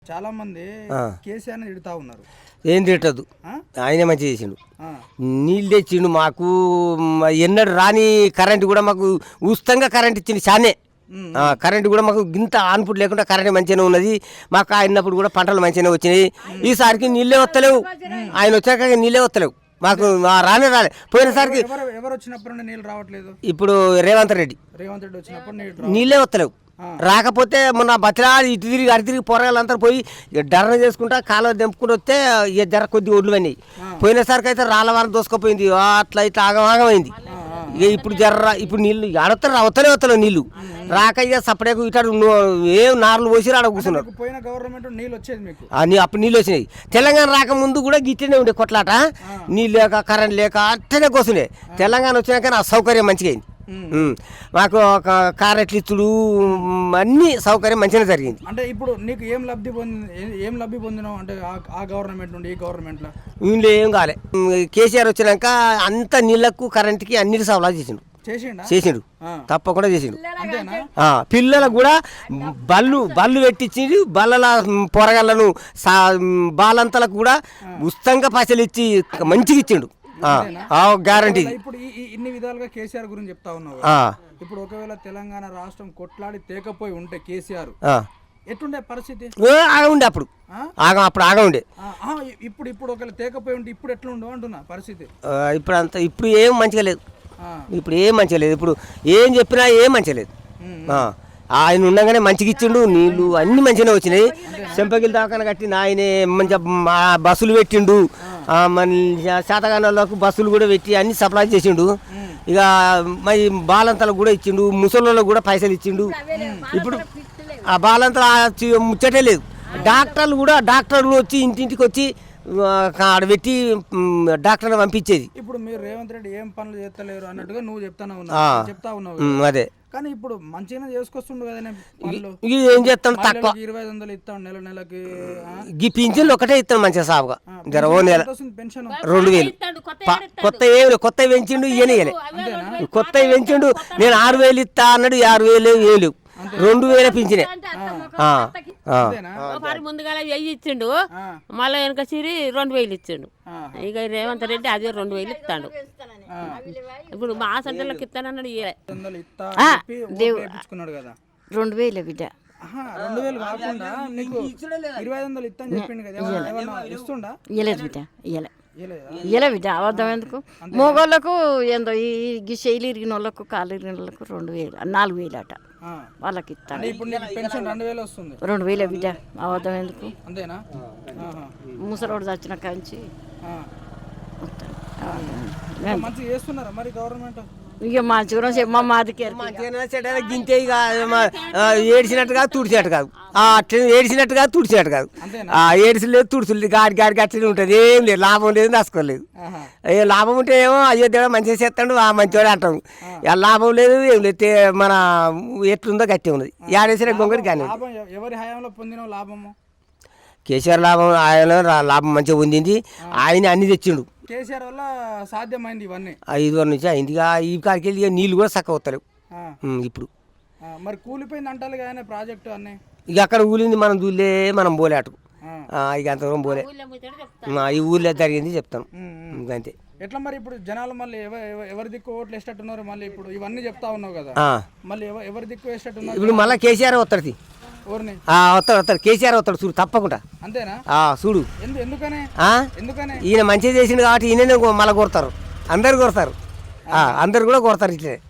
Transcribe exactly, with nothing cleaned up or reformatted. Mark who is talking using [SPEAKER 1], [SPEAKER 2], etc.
[SPEAKER 1] చాలా మంది కేసీఆర్ తిడతా ఉన్నారు.
[SPEAKER 2] ఏం తిట్టదు, ఆయనే మంచి చేసిండు. నీళ్ళు తెచ్చిండు మాకు, ఎన్నడు రాని కరెంట్ కూడా మాకు ఉచితంగా కరెంట్ ఇచ్చిండు. చానే కరెంట్ కూడా మాకు ఇంత ఆన్పుట్ లేకుండా కరెంట్ మంచిగానే ఉన్నది. మాకు ఆయనప్పుడు కూడా పంటలు మంచిగానే వచ్చినాయి. ఈసారికి నీళ్ళే వస్తలేవు, ఆయన వచ్చాక నీళ్ళే వస్తలేవు మాకు, రానే రాలే. పోయినసారికి
[SPEAKER 1] ఎవరు వచ్చినప్పుడు నీళ్ళు రావట్లేదు.
[SPEAKER 2] ఇప్పుడు రేవంత్ రెడ్డి
[SPEAKER 1] రేవంత్ రెడ్డి వచ్చినప్పుడు
[SPEAKER 2] నీళ్ళే వస్తలేవు. రాకపోతే మొన్న బతిలా ఇటు తిరిగి అటు తిరిగి పోరగాళ్ళంతా పోయి డర్న చేసుకుంటా కాలువ దింపుకుంటూ వస్తే ఇక జర కొద్ది ఒడ్లు అన్నాయి. పోయినసరికి అయితే రాళ్ళ వారం దోసుకపోయింది, అట్లా ఇట్లా ఆగమాగమైంది. ఇక ఇప్పుడు జర్ర ఇప్పుడు నీళ్ళు ఆడతారు అవతలే వస్తలేవు నీళ్ళు రాక ఇక సపరేకు ఇటు ఏం నార్లు పోసి ఆడ కూర్చున్నారు.
[SPEAKER 1] పోయిన గవర్నమెంట్ నీళ్ళు వచ్చేది మీకు,
[SPEAKER 2] అప్పుడు నీళ్ళు వచ్చినాయి. తెలంగాణ రాకముందు కూడా గిట్టనే ఉండే కొట్లాట, నీళ్ళు లేక కరెంట్ లేక అట్టనే కూర్చుండే. తెలంగాణ వచ్చినాక ఆ సౌకర్యం మంచిగా అయింది. మాకు కారెట్లు ఇచ్చుడు అన్ని సౌకర్యం మంచిగా జరిగింది.
[SPEAKER 1] అంటే ఇప్పుడు నీకు ఏం లబ్ధి పొంది ఏం లబ్ధి పొందినావు అంటే ఆ గవర్నమెంట్ నుండి ఈ గవర్నమెంట్ లో
[SPEAKER 2] వీళ్ళు ఏం కాలే. కేసీఆర్ వచ్చినాక అంత నీళ్లకు కరెంట్కి అన్నిటి సవలా చేసిండు చేసిండు తప్పకుండా చేసిండు. పిల్లలకు కూడా బళ్ళు బళ్ళు పెట్టించి బల్లల పొరగళ్ళను బాలంతలకు కూడా ఉచితంగా పైసలు ఇచ్చి మంచిగా ఇచ్చిండు. గ్యారంటీ.
[SPEAKER 1] ఇప్పుడు ఇన్ని విధాలుగా కేసీఆర్ గురించి చెప్తా ఉన్నావు. ఇప్పుడు ఒకవేళ తెలంగాణ రాష్ట్రం కొట్లాడి తేకపోయి ఉంటే కేసీఆర్ ఎట్లుండే పరిస్థితి?
[SPEAKER 2] ఆగ ఉండే అప్పుడు ఆగం అప్పుడు ఆగ ఉండే.
[SPEAKER 1] ఇప్పుడు ఇప్పుడు ఒకవేళ తేకపోయి ఉంటే ఇప్పుడు ఎట్లా ఉండవు అంటున్నా పరిస్థితి.
[SPEAKER 2] ఇప్పుడు అంత ఇప్పుడు ఏం మంచిగా లేదు, ఇప్పుడు ఏం మంచిగా లేదు. ఇప్పుడు ఏం చెప్పినా ఏం మంచిగా లేదు. ఆయన ఉండగానే మంచిగా ఇచ్చిండు, నీళ్లు అన్ని మంచిగానే వచ్చినాయి. చెంపగిల్ దాకా కట్టిన ఆయనే మంచిగా బస్సులు పెట్టిండు, మన శాతగానాలకు బస్సులు కూడా పెట్టి అన్ని సప్లై చేసిండు. ఇక మరి బాలంతలకు కూడా ఇచ్చిండు, ముసళ్ళకు కూడా పైసలు ఇచ్చిండు. ఇప్పుడు ఆ బాలంతల ముచ్చటే లేదు. డాక్టర్లు కూడా డాక్టర్లు వచ్చి ఇంటింటికి వచ్చి ఆడ పెట్టి డాక్టర్ని పంపించేది.
[SPEAKER 1] ఇప్పుడు మీరు రేవంత్ రెడ్డి ఏం పనులు చేస్తలేరు అన్నట్టుగా నువ్వు చెప్తాను ఉన్నావు చెప్తా ఉన్నావు.
[SPEAKER 2] అదే కానీ
[SPEAKER 1] ఇప్పుడు మంచిగా చేసుకొస్తుండు కదా.
[SPEAKER 2] ఏం చేస్తాను, తక్కువ
[SPEAKER 1] ఇరవై ఐదు వందలు ఇస్తాను నెల నెలకి.
[SPEAKER 2] ఈ పింఛన్లు ఒకటే ఇస్తాను మంచిగా సాగుగా. జర ఓ నెల
[SPEAKER 1] పెన్షన్
[SPEAKER 2] రెండు వేలు కొత్త ఏమి కొత్త పెంచిండు, ఇయనే ఇయలే కొత్త పెంచిండు. నేను ఆరు వేలు ఇస్తా అన్నాడు, ఆరు వేలు వేలు రెండు వేల పింఛనే.
[SPEAKER 3] ముందుగా వెయ్యి ఇచ్చిండు, మళ్ళీ వెనక సిరి రెండు వేలు ఇచ్చిండు. ఇక రేవంత్ రెడ్డి అదే రెండు వేలు ఇస్తాడు. ఇప్పుడు మా సెంటర్లోకి ఇస్తానన్నాడు.
[SPEAKER 4] రెండు వేలు బిడ్డ
[SPEAKER 1] రెండు వేలు కాకుండా నీకు ఇరవై ఐదు వందలు ఇస్తా అని చెప్పిండు కదా, ఇస్తుండా?
[SPEAKER 4] ఇయ్యలేదు బిడ్డ, ఇయ్యలే ఇయ్యలే బిడ్డ. అబద్ధం ఎందుకు? మగోళ్ళకు ఏందో ఈ శైలి ఇరిగిన వాళ్ళకు కాలు ఇరిగిన వాళ్ళకు రెండు వేలు నాలుగు వేలు అట వాళ్ళకి ఇస్తాను. రెండు వేలే బిడ్డ, అబద్ధం ఎందుకు?
[SPEAKER 1] అంతేనా?
[SPEAKER 4] ముసలోడు చచ్చిన కాంచి
[SPEAKER 1] మంచిగా చేస్తున్నారా మరి గవర్నమెంట్?
[SPEAKER 4] ఇక మంచిగా చెప్ప మాదికి
[SPEAKER 2] గింతే. ఇక ఏడిసినట్టు కాదు తుడిచినట్టు కాదు, అట్లా ఏడిసినట్టు కాదు తుడిచినట్టు కాదు. ఏడిసి లేదు తుడుచులు లేదు, గాడి గాడికి అట్లనే ఉంటుంది. ఏం లేదు, లాభం లేదు, నష్టలేదు. ఏ లాభం ఉంటే ఏమో అయ్యో దేవుడు మంచిగా చేస్తాడు ఆ మంచివాడు అంటాం. లాభం లేదు ఏం లేదు, మన ఎట్లుందో గట్టి ఉన్నది. ఏడేసిన గొంగడి కానీ
[SPEAKER 1] ఎవరి హయాంలో పొందిన లాభము
[SPEAKER 2] కేసీఆర్ లాభం, ఆయన లాభం మంచిగా పొందింది. ఆయన అన్ని తెచ్చిండు.
[SPEAKER 1] కేసీఆర్ వల్ల సాధ్యమైంది ఇవన్నీ.
[SPEAKER 2] ఐదు వరకు నుంచి అయింది. ఇక ఈ కాడికి వెళ్ళి నీళ్ళు కూడా చక్కగా వస్తలేవు ఇప్పుడు.
[SPEAKER 1] మరి కూలిపోయింది అంటారు కానీ ప్రాజెక్టు అన్నీ.
[SPEAKER 2] ఇక అక్కడ ఊలింది, మనం దూలే మనం పోలే అటుకు. ఇక అంతవరం పోలే, ఈ ఊళ్ళో జరిగింది చెప్తాను అంతే.
[SPEAKER 1] ఎట్లా మరి ఇప్పుడు జనాలు మళ్ళీ ఎవరి దిక్కు ఓట్లు వేసేటట్టున్నారు? మళ్ళీ ఇప్పుడు ఇవన్నీ చెప్తా ఉన్నావు కదా, మళ్ళీ ఎవరి దిక్కు వేసేటట్టున్నారు?
[SPEAKER 2] ఇప్పుడు మళ్ళీ కేసీఆర్ వస్తాడు, వస్తాడు వస్తాడు కేసీఆర్ వస్తాడు చూడు తప్పకుండా.
[SPEAKER 1] అంతేనా?
[SPEAKER 2] చూడు
[SPEAKER 1] ఎందుకనే ఎందుకనే
[SPEAKER 2] ఈయన మంచిగా చేసిండు కాబట్టి ఈయన మళ్ళీ కొడతారు, అందరు కొడతారు, అందరు కూడా కొడతారు ఇట్లే.